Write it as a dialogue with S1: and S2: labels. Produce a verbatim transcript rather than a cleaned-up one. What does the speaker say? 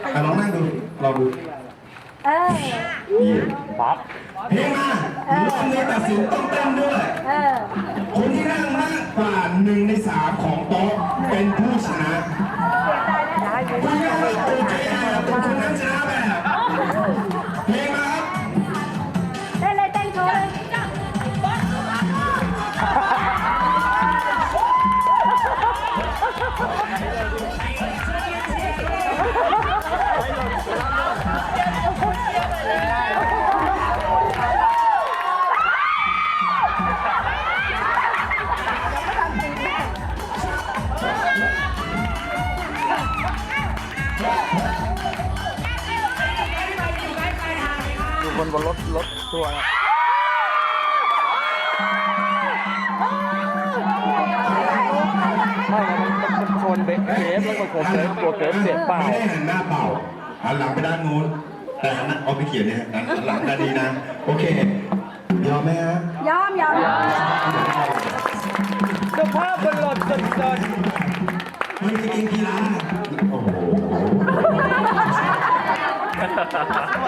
S1: อ่ะลองนั่งดูลองดู
S2: เออ
S1: นี่
S3: ปั๊บ
S1: เพลงมารอบนี้ตัดสินต้องเต้นด้วย
S2: เออ
S1: คนที่นั่งมากกว่าหนึ่งในสามของโต๊ะเป็นผู้ชนะคุณนั่งแบบโอเคแบบเป็นคนนั้นชนะแบบเพลงมาครับ
S2: เต้นเลยเต้นโชว์เลย
S3: ดูคนบนรถรถทัวร์นะไม่มันมันมันชนเบรกเกฟแล้วก็ตัวเกฟตัวเกฟเสียเปล่า
S1: ไม่ได้หันหน้าเปล่าหันหลังไปด้านนู้นแต่หันหน้าเอาไปเขียนเนี่ยหันหลังด้านนี้นะโอเคยอมไหมฮะ
S2: ยอมยอม
S3: สภาพบนรถจนจน
S1: มันเป็นเกมกีฬาโอ้โห